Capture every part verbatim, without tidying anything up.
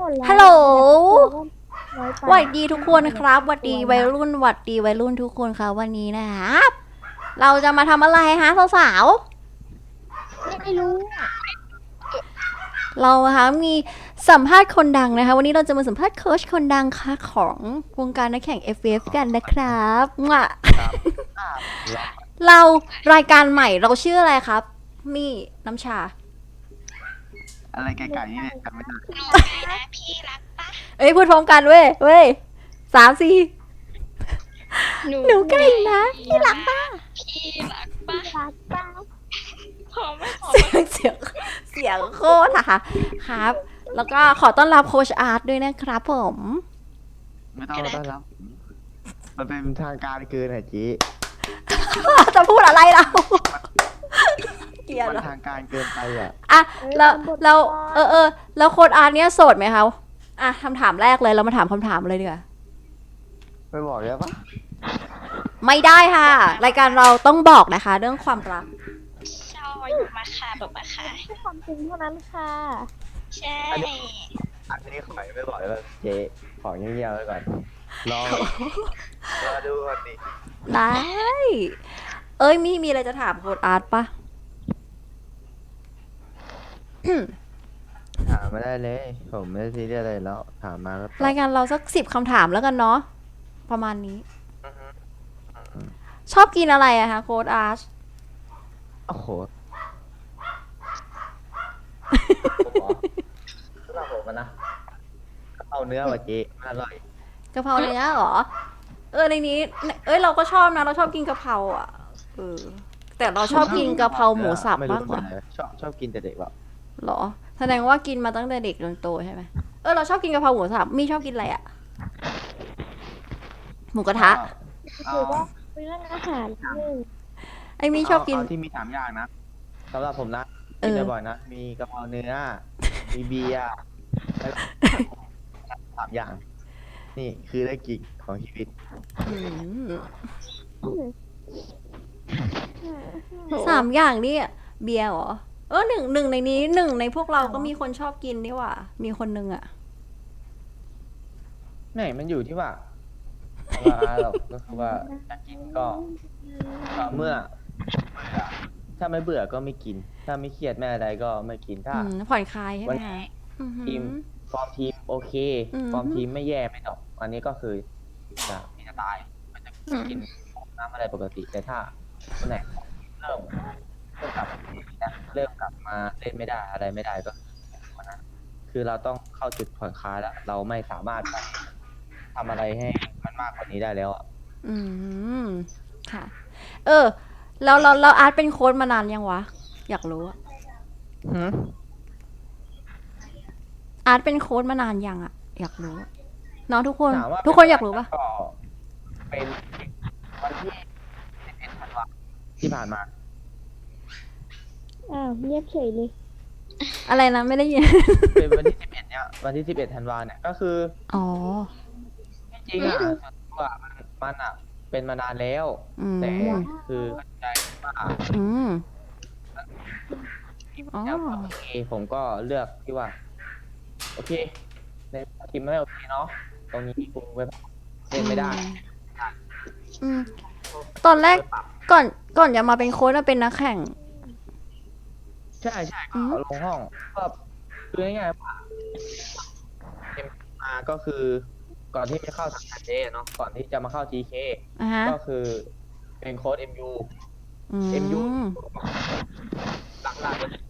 ฮัลโหลสวัสดีทุกคนครับสวัสดีวัยรุ่นสวัสดีวัยรุ่นทุกคนครับวันนี้นะครับเราจะมาทำอะไรฮะสาวไม่รู้ๆเราคะมีสัมภาษณ์คนดังนะคะวันนี้เราจะมาสัมภาษณ์โค้ชคนดังค่ะของวงการนักแข่ง เอฟ เอฟ กันนะครับมาเรารายการใหม่เราชื่ออะไรครับมีน้ำชาอะไรไก่ๆนี่เนี่ยจำไม่ได้หนูไก่นะพี่รักปะเอ้ยพูดพร้อมกันเว้ยเว้ยสามสี่หนูหนูไก่นะพี่รักปะพี่รักปะรักป้าพอไม่พอเสียงเสียงเสียงโคตรอะค่ะครับ แล้วก็ขอต้อนรับโค้ชอาร์ตด้วยนะครับผมไม่ต้องต้อนรับมันเป็นทางการเกินอ่ะจีจะพูดอะไรเราเกลียดมันเหรอทางการเกินไปอ่ะอ่ะแล้วเราเออเออแล้วโค้ชอาร์ตเนี้ยโสดไหมคะอ่ะคำถามแรกเลยเรามาถามคำถามเลยดีกว่าไม่บอกได้ปะไม่ได้ค่ะ รายการเราต้องบอกนะคะ เรื่องความรักชอบอยู่มาค่ะแบบมาค่ะให้ความจริงเท่านั้นค่ะใช่อันนี้ขอไม่บอกเลยว่าเจ๊ขอเงียบๆไว้ก่อนรอรอดูก่อนดิได้ เอ้ยมีมีอะไรจะถามโค้ชอาร์ตปะถามมาได้เลย ผมไม่ได้ซีเรียสอะไรแล้วถามมาก็ตอบรายการเราสักสิบคำถามแล้วกันเนาะประมาณนี้ ชอบกินอะไรอะคะโค้ดอาร์ชโอ้โหผมเหรอสำหรับผมอะนะเอาเนื้อว่ะเจ๊อร่อยกะเพราเนื้อเหรอ เออในนี้ เอ้ยเราก็ชอบนะ เราชอบกินกะเพราอ่ะเออแต่เราชอบกินกะเพราหมูสับไม่รู้มากกว่าเป็นไรชอบชอบกินแต่เด็กแบบเหรอแสดงว่ากินมาตั้งแต่เด็กจนโตใช่ไหมเออเราชอบกินกะเพราหมูสับมีชอบกินอะไรอะหมูกระทะเอาหรือว่าเป็นเรื่องอาหารหนึ่งไอ้มีชอบกินเาที่มีสามอย่างนะสำหรับผมนะเออกินบ่อยๆนะ มีกะเพราเนื้อ มีเบียร์แล้วสามอย่าง นี่คือได้กินของชีวิตอืมสามอย่างนี่เบียร์เหรอเออหนึ่งหนึ่งในนี้หนึ่งในพวกเราก็มีคนชอบกินนี่หว่า มีคนนึงอะไม่มันอยู่ที่ว่าเวลาเราก็คือว่าจะกินก็ก็เมื่อเบื่อถ้าไม่เบื่อก็ไม่กิน ถ้าไม่เครียดไม่อะไรก็ไม่กิน ถ้าอืมผ่อนคลายใช่ไหวัมนคะนี้อือหือทีมฟอร์มทีมโอเคอืมฟอร์มทีมไม่แย่ไม่ตกอันนี้ก็คือจะมีจะตายมันจะกินน้ำอะไรปกติ แต่ถ้าคนไหนเริ่มเริ่มกลับนะเริ่มกลับมาเล่นไม่ได้อะไรไม่ได้ก็วันนั้นคือเราต้องเข้าจุดผ่อนคลายแล้ว เราไม่สามารถทำอะไรให้มันมากกว่านี้ได้แล้วอ่ะอืมค่ะ เออแล้วเราเราอาร์ตเป็นโค้ชมานานยังวะ อยากรู้อะอาร์ตเป็นโค้ชมานานยังอะอยากรู้อะน้องทุกคนถามว่าทุกคนอยากรู้ปะก็เป็นวันที่สิบเอ็ดธันวาที่ผ่านมาอ้าวเงียบเฉยเลยอะไรนะไม่ได้ยินเป็นวันที่สิบเอ็ดเนี่ยวันที่สิบเอ็ดธันวาเนี่ยก็คืออ๋อจริงๆอ่ะส่วนตัวมันมันอ่ะ เป็นมานานแล้วอืมแต่คือเข้าใจว่าอืมทีมอ๋อแล้วโอเคผมก็เลือกที่ว่า โอเค ในทีมไม่โอเคเนาะตรงนี้กูไปเล่นไม่ได้อืมตอนแรกก่อนก่อนจะมาเป็นโค้ชเราเป็นนักแข่งใช่ใช่อืก็มลงห้องก็คือง่ายๆว่าเอ็มอาก็คือก่อนที่จะเข้าสังกัดเจเนาะก่อนที่จะมาเข้า จี เคอ่ะฮะก็คือเป็นโค้ด เอ็ม ยูอืเอ็ม ยูมหลักๆเลย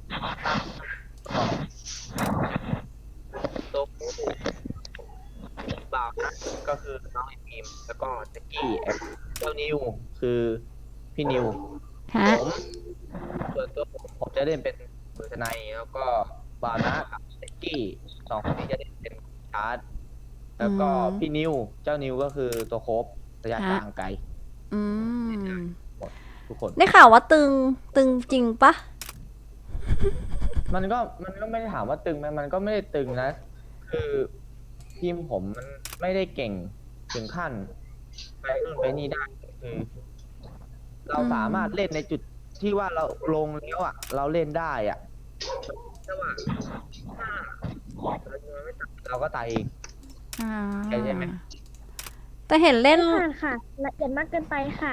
ตัวผู้บ่าวนะก็คือน้องไอทีมแล้วก็แจ็กกี้แอปเจ้านิวคือพี่นิวฮะผมส่วนตัวผมผมจะเล่นเป็นมือทนายแล้วก็บานะกับเซ็กกี้สองคนนี้จะเล่นเป็นชาร์ดแล้วก็อืมพี่นิวเจ้านิวก็คือตัวโคบระยะฮะทางไกลอืมทุกคนได้ข่าวว่าตึงตึงจริงปะมันก็มันก็ไม่ได้ถามว่าตึงไหมมันก็ไม่ได้ตึงนะ คือทีมผมมันไม่ได้เก่งถึงขั้นไปนู่นไปนี่ได้คือ เราสามารถเล่นในจุดที่ว่าเราลงแล้วอ่ะ เราเล่นได้อ่ะแต่ว่าถ้าเราเราก็ตายเองอ่าใช่ไหมแต่เห็นเล่นค่ะค่ะละเอียดมากเกินไปค่ะ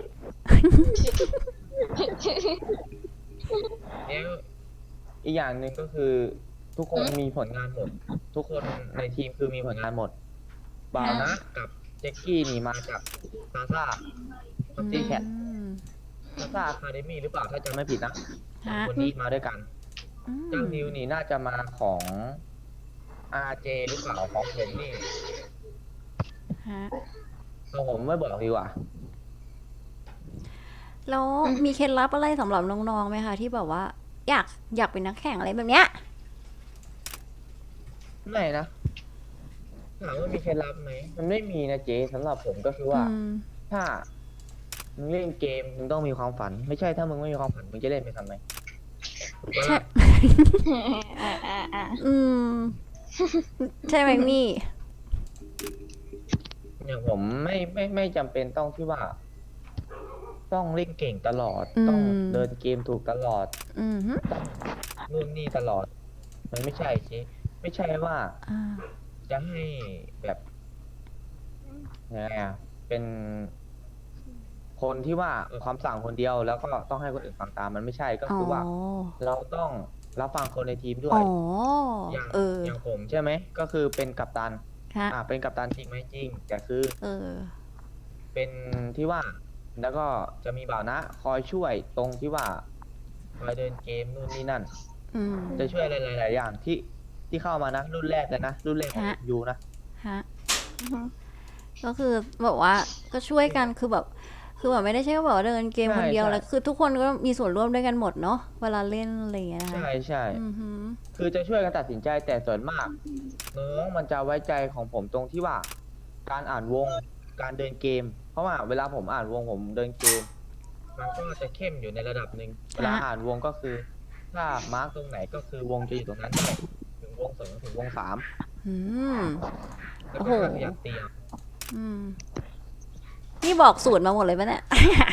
แล้วอีกอย่างหนึ่งก็คือทุกคนมีผลงานหมด ทุกคนในทีมคือมีผลงานหมดบ่าวนะกับเจ็กกี้นี่มาจากซาซ่าพับจีแคทอืมซาซ่าอะคาเดมี่หรือเปล่าถ้าจำไม่ผิดนะสองฮะคนนี้มาด้วยกันอืมเจ้านิวนี่น่าจะมาของ อาร์ เจ หรือเปล่าของผมนี่ฮะของผมไม่บอกดีกว่าแล้วมีเคล็ดลับอะไรสำหรับน้องๆไหมคะที่แบบว่า อยากอยากเป็นนักแข่งอะไรแบบเนี้ยไม่นะถามว่ามีเคล็ดลับไหมมันไม่มีนะเจ๊สำหรับผมก็คือว่าอืมถ้ามึงเล่นเกมมึงต้องมีความฝัน ไม่ใช่ถ้ามึงไม่มีความฝันมึงจะเล่นไปทำไมถูกปะใช่ล่ะอ่าอ่าอ่าอืม ใช่ไหมมี่อย่างผมไม่ไม่ไม่จำเป็นต้องที่ว่า ต้องเล่นเก่งตลอดอืมต้องเดินเกมถูกตลอดอืมฮึต้องนู่นนี่ตลอด มันไม่ใช่เจ๊ไม่ใช่ว่าอ่าจะให้แบบยังไงอะเป็นคนที่ว่าเออคำสั่งคนเดียวแล้วก็ต้องให้คนอื่นฟังตามมันไม่ใช่ก็อ๋อคือว่า เราต้องรับฟังคนในทีมด้วอ๋ยออย่างเอออย่างผมใช่ไหมก็คือเป็นกัปตันฮะอ่าเป็นกัปตันจริงไหมจริงแต่คือเออเป็นที่ว่า แล้วก็จะมีบ่าวนะคอยช่วยตรงที่ว่าคอยเดินเกมนู่นนี่นั่นอืมจะช่วยอะไรหลายๆอย่างที่ที่เข้ามานะรุ่นแรกเลยนะรุ่นแรกของฮะยูนะฮะอือฮึก็คือแบบว่าก็ช่วยกันคือแบบ คือแบบไม่ได้ใช่ว่าแบบว่าเดินเกมคนเดียวแล้วคือทุกคนก็มีส่วนร่วมด้วยกันหมดเนาะเวลาเล่นอะไรอย่างเงี้ยนะคะใช่ใช่อือฮึคือจะช่วยกันตัดสินใจแต่ส่วนมากน้องมันจะไว้ใจของผมตรงที่ว่า การอ่านวงการเดินเกม เพราะว่าเวลาผมอ่านวงผมเดินเกม มันก็จะเข้มอยู่ในระดับหนึ่งเวลาอ่านวงก็คือ ถ้ามาร์กตรงไหนก็คือวงจะอยู่ตรงนั้นได้ถึงวงสองถึงวงสามอืมแล้วโอ้ก็โหขยับเตียงอืมนี่บอกสูตรมาหมดเลยปะเนี่ย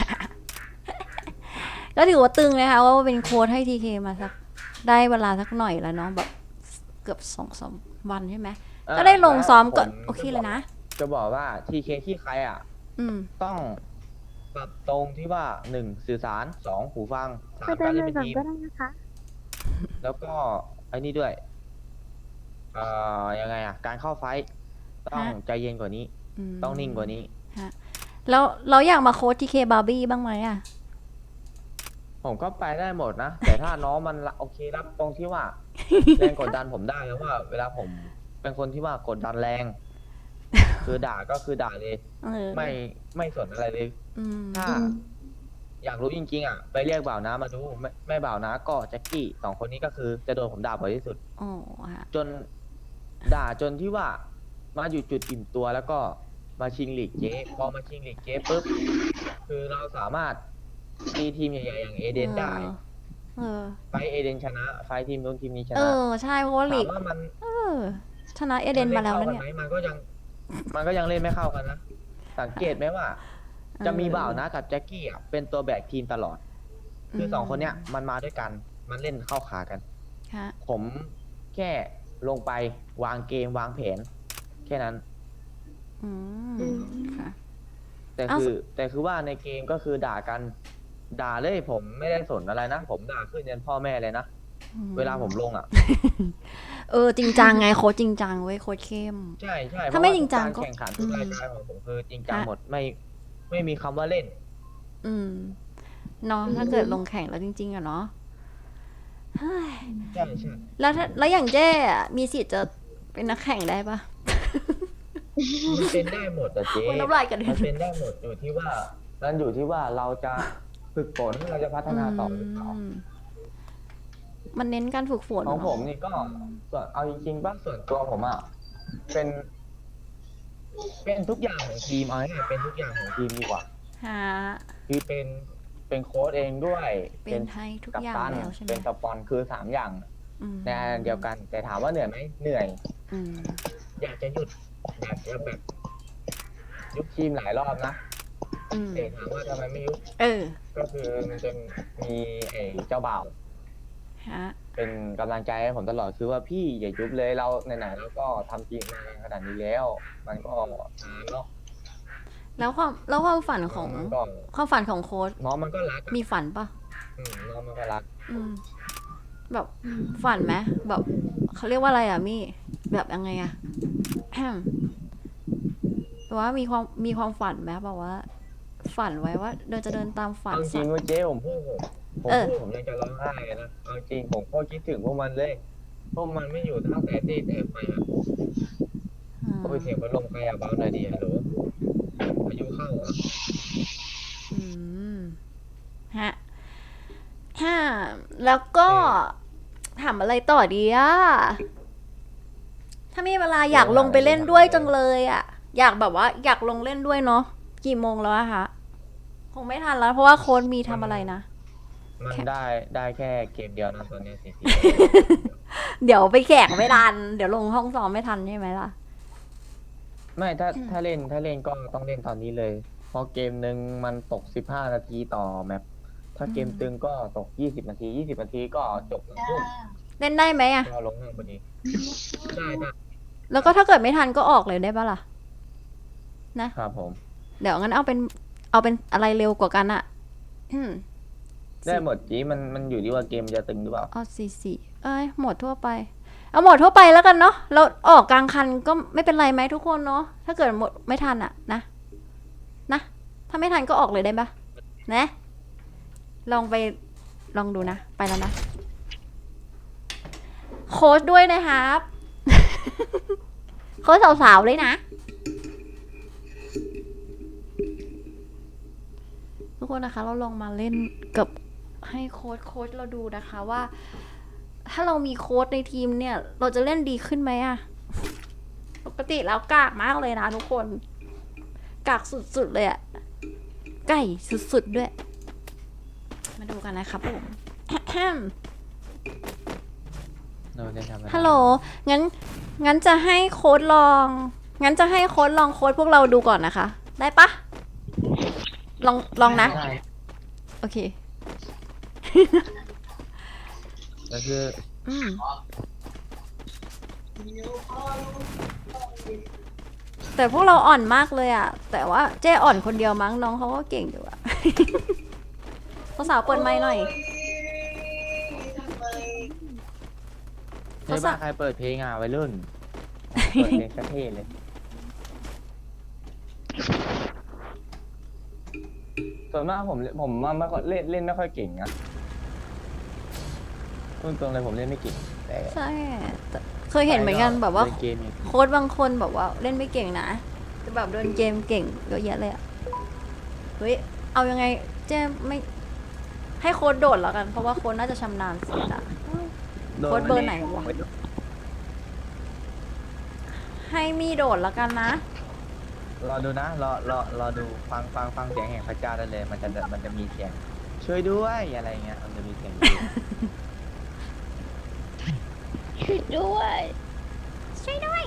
ก็ถือว่าตึงนะคะว่าเป็นโค้ดให้ทีเคมาสัก ได้เวลาสักหน่อยแล้วเนาะแบบเกือบสองสามวันใช่ไหม ก็ได้ลงซ้อมก่อนผมโอเคเลยนะจะบอกว่าทีเคที่ใครอ่ะอืมต้องปรับตรงที่ว่าหนึ่งสื่อสารสองหูฟังสาก็มได้การเลเล่นยเป็นก่อนทีมก็ได้นะคะแล้วก็ไอ้นี่ด้วยเอ่อยังไงอ่ะ การเข้าไฟท์ต้องฮะใจเย็นกว่านี้มต้องนิ่งกว่านี้แล้วเราอยากมาโค้ดทีเคบาร์บี้บ้างไหมอ่ะผมก็ไปได้หมดนะ แต่ถ้าน้องมันละโอเครับตรงที่ว่า แรงกดดันผมได้แล้วว่า เวลาผมเป็นคนที่ว่ากดดันแรง คือด่าก็คือด่าเลยเออไม่ไม่สนอะไรเลยอืมถ้า อยากรู้จริงๆอ่ะ ไปเรียกบ่าวน้ามาดู ไม่ไม่บ่าวน้าก็แจ็คกี้สองคนนี้ก็คือจะโดนผมด่าบ่อยที่สุดอ๋อฮะจนด่าจนที่ว่ามาอยู่จุดอิ่มตัวแล้วก็มาชิงลีกเจ๊พอมาชิงลีกเจ๊ปุ๊บคือเราสามารถตีทีมใหญ่ๆอย่างเอเดนได้เออไฟท์เอเดนชนะ ไฟท์ทีมนู้นทีมนี้ชเอนะอ ใช่เพราะว่าลีถามกว่ามันเออ ชนะเอเดนมาแล้วนะเนี่ยมัล่ข้กัไหมันก็ยัง มันก็ยังเล่นไม่เข้ากันนะ สังเกตไหมว่า จะมีบ่าวนะกับแจ็คกี้อ่ะเป็นตัวแบกทีมตลอด คือสองคนเนี้ยมันมาด้วยกัน มันเล่นเข้าขากันฮะผมแค่ลงไปวางเกมวางแผน แค่นั้นอืมค่ะแต่เอ้าคือแต่คือว่าในเกมก็คือด่ากัน ด่าเลยผมไม่ได้สนอะไรนะ ผมด่าขึ้นยันพ่อแม่เลยนะอืมเวลาผมลงอ่ะเออ จริงจังไงโค้ชจริงจังเว้ยโค้ชเข้มใช่ใช่ถ้าไม่เพะว่จริงจังก็ทุการแข่งขันทุกรายการของผมคือจริงจังฮะหมดไม่ไม่มีคำว่าเล่นอืมเนาะถ้าเกิดลงแข่งแล้วจริง ๆอะเนาะเฮ้ยใช่ใช่แล้วถ้าแล้วอย่างเจ้อะมีสิทธิ์จะเป็นนักแข่งได้ปะมันเป็นได้หมดแต่เจ๊คุณน้ำลายกันมันเป็นได้หมดอยู่ที่ว่ามันอยู่ที่ว่าเราจะฝึกฝนเราจะพัฒนาต่อหรือเปล่ามมันเน้นการฝึกฝนของเนอะผมนี่ก็ส่วนเอาจริงๆป่ะส่วนตัวผมอ่ะเป็น เป็นทุกอย่างของทีมเอาง่ายๆเป็นทุกอย่างของทีมดีกว่าฮะคือเป็นเป็นโค้ชเองด้วยเป็นให้ทุกกัปอย่างตันแล้วใช่ไหมเป็นสปอนคือสามอย่างอืมในอันเดียวกัน แต่ถามว่าเหนื่อยไหมเหนื่อยอืมอยากจะหยุดอยากจะแบบยุบทีมหลายรอบนะอืมแต่ถามว่าทำไมไม่ยุบเออก็คือมันจะมีไอ้เจ้าบ่าวฮะเป็นกำลังใจให้ผมตลอดคือว่าพี่อย่ายุบเลยเราไหนๆแล้วก็ทำจริงมาขนาดนี้แล้ว มันก็นานเนาะแล้วความแล้วความฝันของมันก็ความฝันของโค้ชน้องมันก็รักอะมีฝันปะอืมน้องมันก็รักอืม แบบฝันไหมแบบเขาเรียกว่าอะไรอ่ะมี่แบบยังไงอ่ะ แฮมแบบว่ามีความมีความฝันไหมแบบว่า ฝันไว้ว่าเดินจะเดินตามฝันเอาจริสังกว่าเจ๊ผมพูดผมผมเออพูดผมยังจะร้องไห้เลยนะเอาจริงผมก็คิดถึงพวกมันเลยพวกมันไม่อยู่ตั้งแต่ที่แต่ไปอะอืมก็ไปเสียงพัดลมใครอะเบาหน่อยดีฮัลโหลพายุเข้าเหรออืมฮะฮะแล้วก็ถามอะไรต่อดีอ่ะ ถ้ามีเวลาอยากลงไปเล่นด้วยจังเลยอ่ะ อยากแบบว่า อยากลงเล่นด้วยเนาะกี่โมงแล้วอะคะคงไม่ทันแล้ว เพราะว่าโค้ดมีทำอะไรนะมันได้ได้แค่เกมเดียวนะตอนนี้สิเดี๋ยวไปแข่งไม่ทัน เดี๋ยวลงห้องซ้อมไม่ทันใช่ไหมล่ะไม่ถ้าถ้าเล่นถ้าเล่นก็ต้องเล่นตอนนี้เลย เพราะเกมหนึ่งมันตกสิบห้านาทีต่อแมปถ้าเกมตึงก็ตกยี่สิบนาทียี่สิบนาทีก็จบหนึ่งทุ่มเล่นได้ไหมอะก็ลงห้องพอดีได้ได้แล้วก็ถ้าเกิดไม่ทันก็ออกเลยได้ปะล่ะครับผมเดี๋ยวงั้นเอาเป็น เอาเป็นอะไรเร็วกว่ากันอะอืมได้หมดจีมันมันอยู่ที่ว่าเกมจะตึงหรือเปล่าเอาสี่สี่เอ้ยโหมดทั่วไป เอาโหมดทั่วไปแล้วกันเนาะเราออกกลางคันก็ไม่เป็นไรไหมทุกคนเนาะถ้าเกิดหมดไม่ทันอะนะนะถ้าไม่ทันก็ออกเลยได้ปะนะลองไปลองดูนะ ไปแล้วนะ โค้ชด้วยนะครับ โค้ชสาวๆเลยนะ ทุกคนนะคะ เราลองมาเล่นกับให้โค้ชโค้ชเราดูนะคะว่า ถ้าเรามีโค้ชในทีมเนี่ย เราจะเล่นดีขึ้นไหมอะปกติแล้วกากมากเลยนะทุกคน กากสุดๆเลยอะไก่สุดๆด้วย มาดูกันนะครับผมเราได้ทำอะไรฮัลโหล งั้น งั้นจะให้โค้ดลอง งั้นจะให้โค้ดลองโค้ดพวกเราดูก่อนนะคะ ได้ปะ ลอง ลองนะได้โอเคก็คืออืม แต่พวกเราอ่อนมากเลยอะ แต่ว่าเจ้อ่อนคนเดียวมั้งน้องเขาก็เก่งอยู่อะ สาวๆเปิดไมค์หน่อยในบ้านใครเปิดเพลงอ่ะวัยรุ่นอ๋อเปิดเพลงกระเทศเลย ส่วนมากผมผมมาไม่ค่อยเล่นเล่นไม่ค่อยเก่งนะพูดตรงเลยผมเล่นไม่เก่งแต่ใช่แต่เคยเห็นเหมือนกันแบบว่าเล่นเกมเนี่ยโค้ดบางคนแบบว่าเล่นไม่เก่งนะแต่แบบเดินเกมเก่งเยอะแยะเลยอะเฮ้ย เอายังไงเจ๊ไม่ให้โค้ดโดดแล้วกัน เพราะว่าโค้ดน่าจะชำนาญสุดอะ โค้ดเบอร์ไหนวะ ให้มีโดดแล้วกันนะรอดูนะรอรอรอดูฟังฟังฟังเสียงแห่งพระเจ้าได้เลย มันจะมันจะมีเสียง ช่วยด้วยอะไรเงี้ยมันจะมีเสียงอยู่ช่วยด้วยช่วยด้วย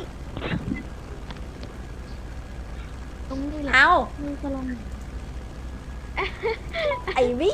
ตรงนี้แหละเอามือจะลงไอ้วี่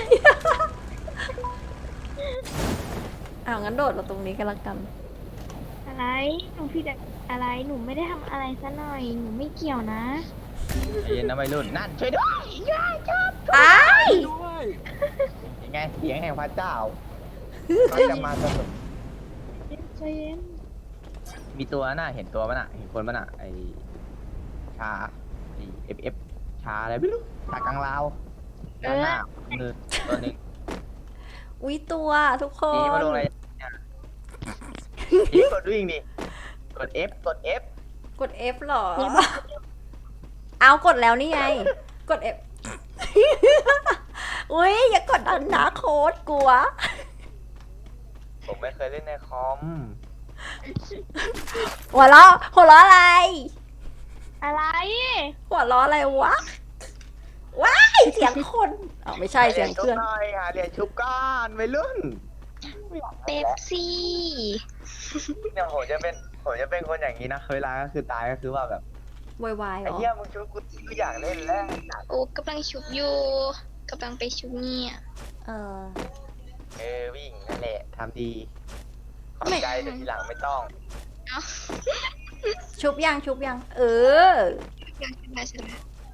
เอางั้นโดดเราตรงนี้กันละกันอะไรหนูผิดอะไรหนูไม่ได้ทำอะไรซะหน่อยหนูไม่เกี่ยวนะใจเย็นนะวัยรุ่นนั่นช่วยด้วยอ้ายยังไงเสียงแห่งพระเจ้ามันจะมาสนุกใจเย็นมีตัวน่ะเห็นตัวมันอ่ะเห็นคนมันอ่ะไอชาไอเอฟเอฟชาอะไรไม่รู้ชากลางลาวด้านหน้ามือตัวหนึ่งอุ๊ยตัวทุกคจีนมาลงอะไรเนี่ยจีกดวิ่งดิกด F กด F กด F หรอ เอากดแล้วนี่ไง กด F อุ้ยอย่ากดดันนะโค้ดกลัวผมไม่เคยเล่นในคอมหัวเราะหัวเราะอะไรอะไรหัวเราะอะไรวะ ว้ายเสียงคนอ๋อไม่ใช่เสียงเครื่องหน่อยหาเหรียญชุบก้อนวัยรุ่นเป๊ปซี่เนี่ยผมจะเป็นผมจะเป็นคนอย่างนี้นะเวลาก็คือตายก็คือว่าแบบวายวายเหรไอ้อเหี้ยมึงชุบกูกูอยากเล่นแล้วโอ้กำลังชุบอยู่กำลังไปชุบเนี่ยเออเออวิ่งนั่นแหละทำดีขอบใจแต่ทีหลังไม่ต้องชุบยังชุบยังเอออยากชนะชนะ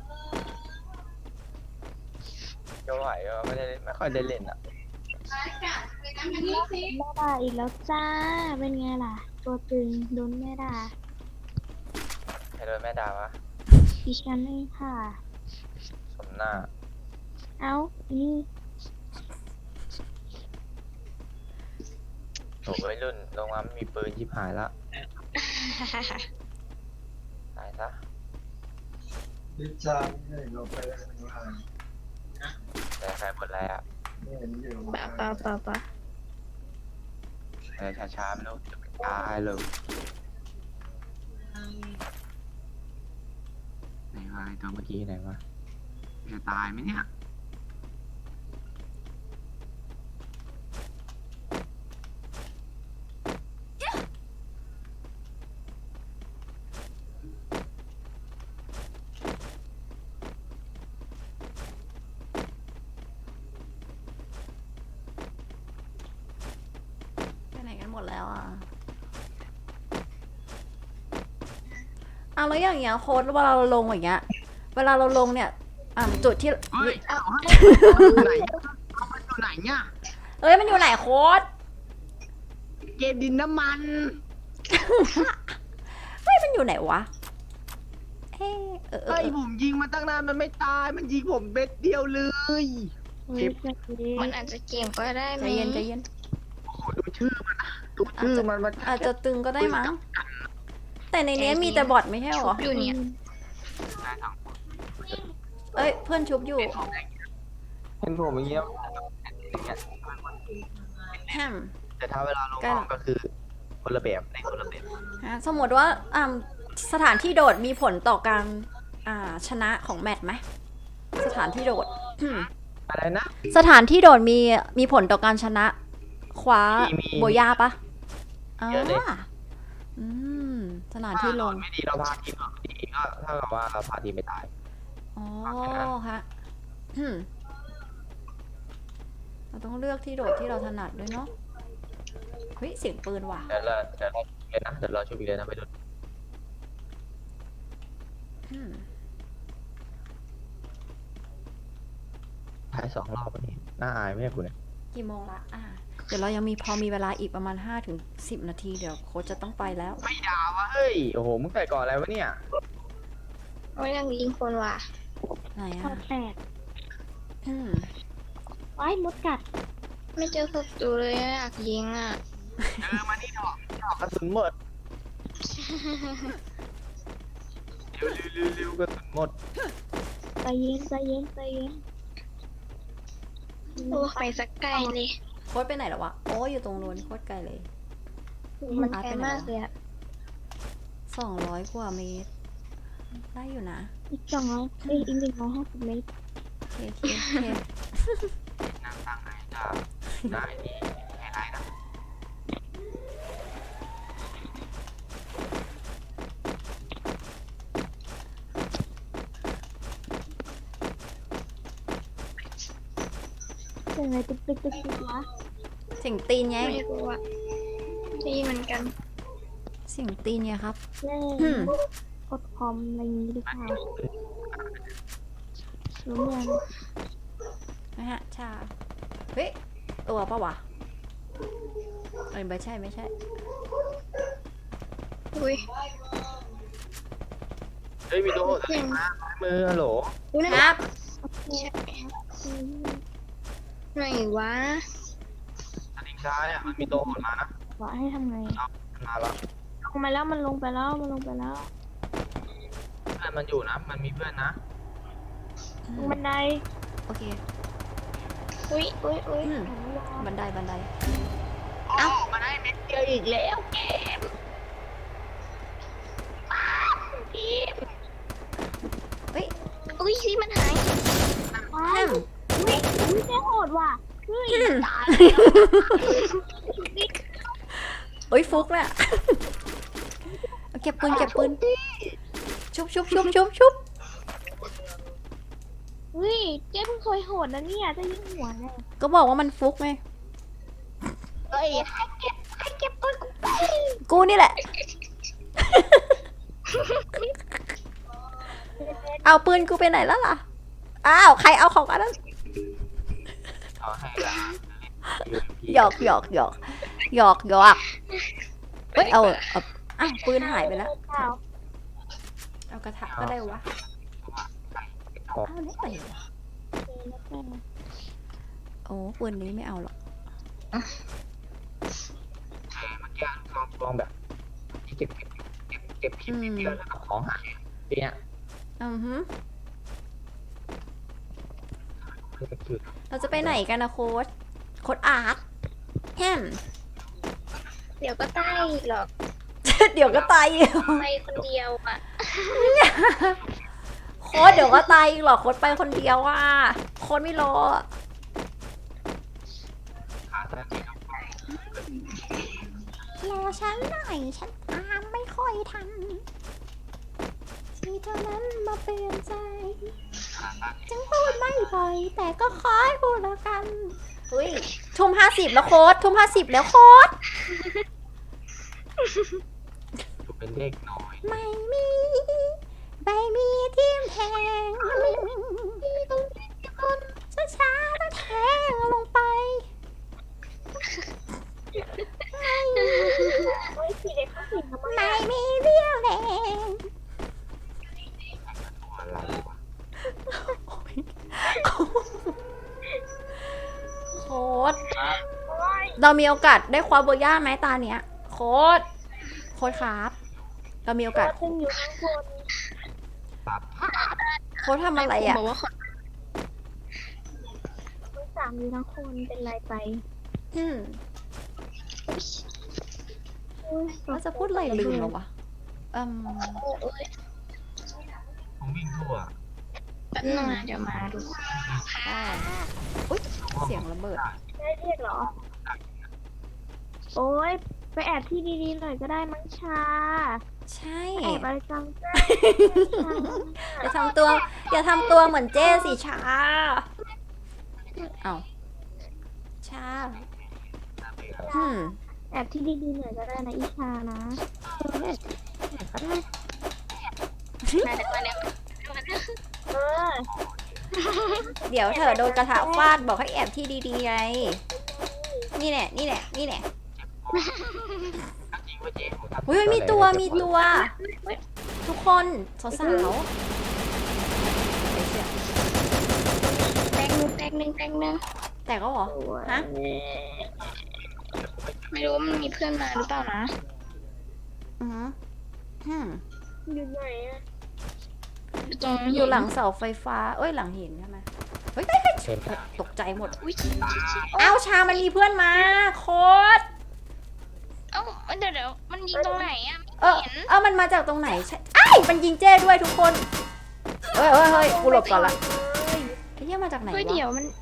ก็ไหวก็ไม่ได้ไม่ค่อยได้เล่นอ่ะแม่ด่าอีกแล้วจ้า เป็นไงล่ะ ตัวตึงโดนแม่ด่าใครโดนแม่ด่าวะดิฉันเองค่ะสมหน้าเอ้านี่โอ้ยรุ่นลงมาไม่มีปืนชิบหายละตายซะดิจามเนี่ยเราไปได้ไม่ว่าแต่ใครหมดแล้วไม่เห็นอยู่ปะปะปะปะแต่ช้าๆไม่รู้จะไปตายเลยไหนวะไอ้ตัวเมื่อกี้ไหนวะจะตายไหมเนี่ยไปไหนกันหมดแล้วอ่ะเอาแล้วอย่างเงี้ยโค้ดเวลาเราลงอย่างเงี้ย เวลาเราลงเนี่ย อ่าจุดที่เฮ้ยเอาให้ไหนเอามันอยู่ไหนเนี่ยเอ้ยมันอยู่ไหนโค้ดเกมดินน้ำมันเฮ้ยมันอยู่ไหนวะเอ้ยเออเออไอ้เออผมยิงมันตั้งนานมันไม่ตายมันยิงผมเบ็ดเดียวเลยเฮ้ยจะเย็มันนอาจจะเก่งก็ได้ไหใจมเย็นใจเย็นโอ้โหดูชื่อมันนะดูชื่อมันมันอาจจะตึงก็ได้มั้ง แต่ในนี้มีแต่บอทไม่ใช่หรออยู่เนี่ยได้สองคนเอ้ยเพื่อนชุบอยู่เห็นผมอย่างเงี้ยแฮมแต่ถ้าเวลาลงใกล้ห้หรอองก็คือคนละแบบในคนละแบบฮะสมมติว่าอ่าสถานที่โดดมีผลต่อการอ่าชนะของแมตช์ไหมสถานที่โดดอะไรนะสถานที่โดดมีมีผลต่อการชนะ คว้ามีมีโบย่าปะอ่าเยอะเลยอืมสถานที่ลงไม่ดีเราพาทีมออกดีก็เท่ากับว่าเราพาทีมไม่ตายอ๋อฮะอืมเราต้องเลือกที่โดดที่เราถนัดด้วยเนาะเฮ้ยเสียงปืนว่ะเดี๋ยวเราเดี๋ยวเราเลยนะเดี๋ยวเราช่วยอีกเลยนะไปดูอืมทายสองรอบวันนี้น่าอายไหมเนี่ยคุณเนี่ยกี่โมงละอ่าเดี๋ยวเรายังมีพอมีเวลาอีกประมาณห้าถึงสิบนาทีเดี๋ยวโค้ชจะต้องไปแล้วไม่ด่าวะเฮ้ยโอ้โหมึงใส่ก่อนอะไรวะเนี่ยโอ้ยยังยิงคนว่ะไหนข้ออ่ะแปดอืมว้ายมดกัดไม่เจอศัตรูเลยอะอยากยิงอ่ะเออมานี่ดอกดอกกระสุนหมดเร็วเร็วเร็วเร็วกระสุนหมดใจเย็นใจเย็นใจเย็นโอ้ไปสักไกลเลยโค้ชไปไหนแล้ววะโอ้ยอยู่ตรงนู้นโคตรไกลเลยมันไกลมากเลยอะสองร้อยกว่าเมตร ได้อยู่นะอีกสองร้อยเอ้ยอีกหนึ่งร้อยห้าสิบเมตรโอเคโอเคโอเคนางตั้งไอ้จ้าได้นี่ไม่ได้นะเสียงอะไรตึกตึกตึกตึกวะเสียงตีนไงไม่รู้อะได้ยินเหมือนกันเสียงตีนไงครับเล่อืมกดคอมอะไรอย่างงี้หรือเปล่ารู้ยังนะฮะ ชา เฮ้ย ตัวปะวะเอ้ยไม่ใช่ไม่ใช่อุ้ยเฮ้ยมีตัวโหดอะไรมามือฮัลโหลอุ้ยคนั่นรับใช่ไหนวะสลิงซ้ายอ่ะมันมีตัวโหดมานะบอกให้ทำไงมันมาแล้วลงมาแล้วมันลงไปแล้วมันลงไปแล้วเพื่อนมันอยู่นะ มันมีเพื่อนนะลงบันไดโอเคอุ้ยอุ้ยอุ้ยอืมบันไดบันไดเอ้ามาได้เม็ดเดียวอีกแล้วเกมเฮ้ยอุ้ยสิมันหายว้ายอุ้ยอุ้ยแม่โหดว่ะเฮ้ยอืมเอ้ยฟุกเนี่ยเอาเก็บปืนเก็บปืน ชุบชุบชุบชุบชุบเฮ้ยเจ๊เพิ่งเคยโหดนะเนี่ยจะยิงหัวเลยก็บอกว่ามันฟุกไงยให้เก็บให้เก็บปืนกูไปกูนี่แหละ เอาปืนกูไปไหนแล้วล่ะ อ้าว ใครเอาของกันนั้นเอาให้ละหยอกหยอกหยอกหยอกหยอกเอ้ย เอาเอาอ้าวปืนหายไปแล้วเปล่าเอากระทะก็ได้วะขอเอาได้ไหมวะโอ้ปืนนี้ไม่เอาหรอกเมื่อกี้ลองลองแบบที่เก็บเก็บเก็บเก็บผิดนิดเดียวแล้วก็ของหายทีเนี้ยอือฮึคือคือเราจะไปไหนกันนะโค้ดโค้ดอาร์ตแฮมเดี๋ยวก็ตายอีกหรอกเดี๋ยวก็ตายอีกไปคนเดียวอ่ะโค้ดเดี๋ยวก็ตายอีกหรอโค้ดไปคนเดียวอ่ะโค้ดไม่รอขาสั้นที่เรารอฉันหน่อยฉันตามไม่ค่อยทันที่เท่านั้นมาเปลี่ยนใจจึงพูดไม่บ่อยแต่ก็คอยพูดแล้วกันอุ้ยทุ่มห้าสิบแล้วโค้ดทุ่มห้าสิบแล้วโค้ดเป็นเลขน้อยไม่มีไม่มีทีมแทงช้าช้าๆแล้วแทงลงไปโอ้ยสีเด็กเขาสีทำไมไม่มีเรี่ยวแรงอะไรวะโค้ดเรามีโอกาสได้คว้าโบย่าไหมตาเนี้ยโค้ดโค้ดครับเรามีโอกาสซึ่งอยู่ข้างบนตัดโค้ดทำอะไรอ่ะบอกว่าขอทั้งสามอยู่ทั้งคนเป็นไรไปอืมโอ้ยเราจะพูดอะไรลืมแล้ววะอืมโอ้ยผมวิ่งทั่วแป๊บนึงนะเดี๋ยวมาดูได้อุ๊ยเสียงระเบิดได้เรียกเหรอ โอ้ยไปแอบที่ดีๆหน่อยก็ได้มั้งชาใช่แอบอะไรจังจ้าอย่าทำตัว อย่าทำตัวเหมือนเจ้สิชาเอาชาอืมแอบที่ดีๆหน่อยก็ได้นะอีชานะมาเดี๋ยวมาเดี๋ยวมาเดี๋ยวเออเดี๋ยวเธอโดนกระทะฟาดบอกให้แอบที่ดีๆไงนี่แหละนี่แหละนี่แหละจริงว่าเจ๊ผมทำอุ้ยมีตัวมีตัว ทุกคนสาวๆไอ้เชี่ยแตงนึงแตงนึงแตงนึงแต่ก็เหรอฮะไม่รู้ว่ามันมีเพื่อนมาหรือเปล่านะอือหืออืมอยู่ไหนอะตรงอยู่หลังเสาไฟฟ้าเอ้ยหลังหินใช่ไหมเฮ้ยเฮ้ยเฮ้ยเช่นตกใจหมดอุ้ยอ้าวชามันมีเพื่อนมาโค้ดเอ้าเดี๋ยวเดี๋ยวมันยิงตรงไหนอ่ะเออเออมันมาจากตรงไหนใช่ไอ้ายมันยิงเจ้ด้วยทุกคนเฮ้ยเฮ้ยเฮ้ยกูหลบก่อนละไอ้เหี้ยมาจากไหนเฮ้ยวะเดี๋ยวมัน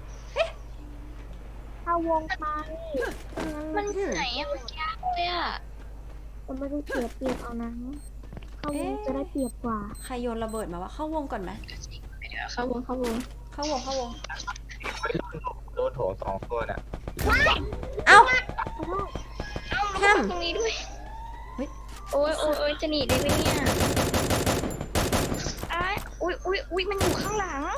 เข้าวงไปมันไหนอ่ะมันยากเลยอ่ะผมไม่ได้เสียเปรียบเอานะเข้าวงจะได้เปรียบกว่าใครโยนระเบิดมาวะเข้าวงก่อนไหมเดี๋ยวเข้าวงเข้าวงเข้าวงเข้าวงโดนโถสองตัวน่ะเอ้าเอ้ามันห้ามตรงนี้ด้วยเฮ้ยโอ้ยโอ้ยโอ้ยจะหนีได้ไหมเนี่ยอ้ายอุ้ยอุ้ยอุ้ยมันอยู่ข้างหลัง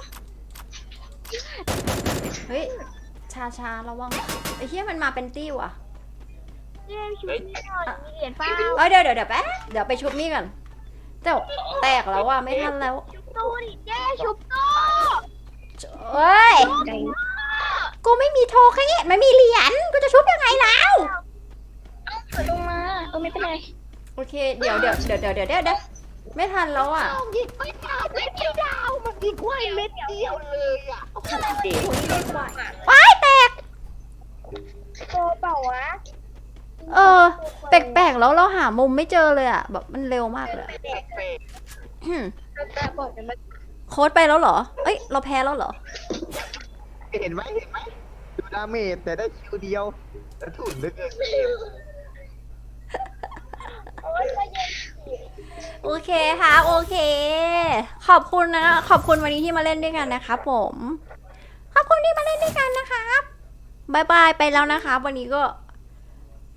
เฮ้ยชาชาระวังไอ้เหี้ยมันมาเป็นตี้ว่ะเย้ชุดนี้หน่อยมีเหรียญเปล่าเอ้ยเดี๋ยวเดี๋ยวเดี๋ยวแป๊บเดี๋ยวไปชุบนี่ก่อนเจ้าแตกแล้วว่ะไม่ทันแล้วชุบตู้ดิเย้ชุบตู้เอ้ยไกลกูไม่มีโทแค่นี้ไม่มีเหรียญกูจะชุบยังไงแล้วเปิดลงมาเออไม่เป็นไรโอเคเดี๋ยวเดี๋ยวเดี๋ยวเดี๋ยวเดี๋ยวเดี๋ยวเดี๋ยวไม่ทันแล้วอ่ะยิงไม่ดาวไม่ดาวมันยิงไว้เม็ดเดียวเลยอ่ะว้ายแตกโตเปล่าวะเออแปลกๆแล้วเราหามุมไม่เจอเลยอ่ะแบบมันเร็วมากเลยอะอืมตาบอกกันมาโค้ดไปแล้วเหรอเอ้ยเราแพ้แล้วเหรอเห็นไหมเห็นไหมดูดาเมจแต่ได้คิวเดียวแต่ถุนเหลือเกินโอเคค่ะโอเค ขอบคุณนะขอบคุณวันนี้ที่มาเล่นด้วยกันนะคะผมขอบคุณที่มาเล่นด้วยกันนะครับบายบายไปแล้วนะคะวันนี้ก็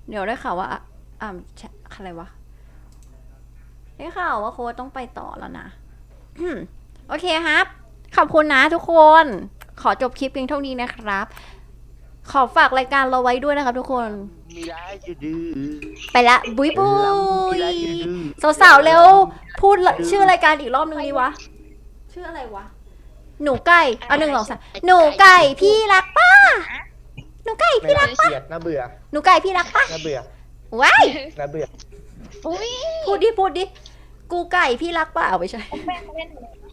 เดี๋ยวได้ข่าวว่าอ่ะอ่าแชอะไรวะได้ข่าวว่าโค้ดต้องไปต่อแล้วนะ โอเคครับ ขอบคุณนะทุกคน ขอจบคลิปเพียงเท่านี้นะครับ ขอฝากรายการเราไว้ด้วยนะครับทุกคนมีร้ายจะดื้อไปละบุยบุมียร้ายจะดื้อสาวๆเร็ว พูดละชื่อรายการอีกรอบนึงดีวะ ชื่ออะไรวะ หนูไก่เอาหนึ่งสองสามหนูไก่พี่รักป้า หนูไก่ไม่พี่รัน่าก เกลียดน่าเบื่อหนูไก่พี่รักป้าน่าเบื่อว้ายน่าเบื่ออุ้ยพูดดิพูดดิ กูไก่พี่รักป้าเอาไม่ใช่แม่เล่น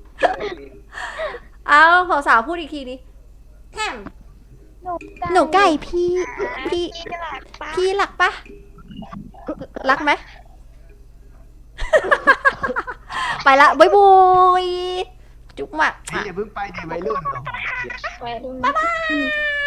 เอาสาวๆพูดอีกทีดิแฮมหนูหนูไก่พี่พี่พี่หลักปะพี่รักปะรักไหม ไปละบุยบุยจุ๊บมากพี่อย่าเพิ่งไปดิวัยรุ่นไปดูบ๊ายบาย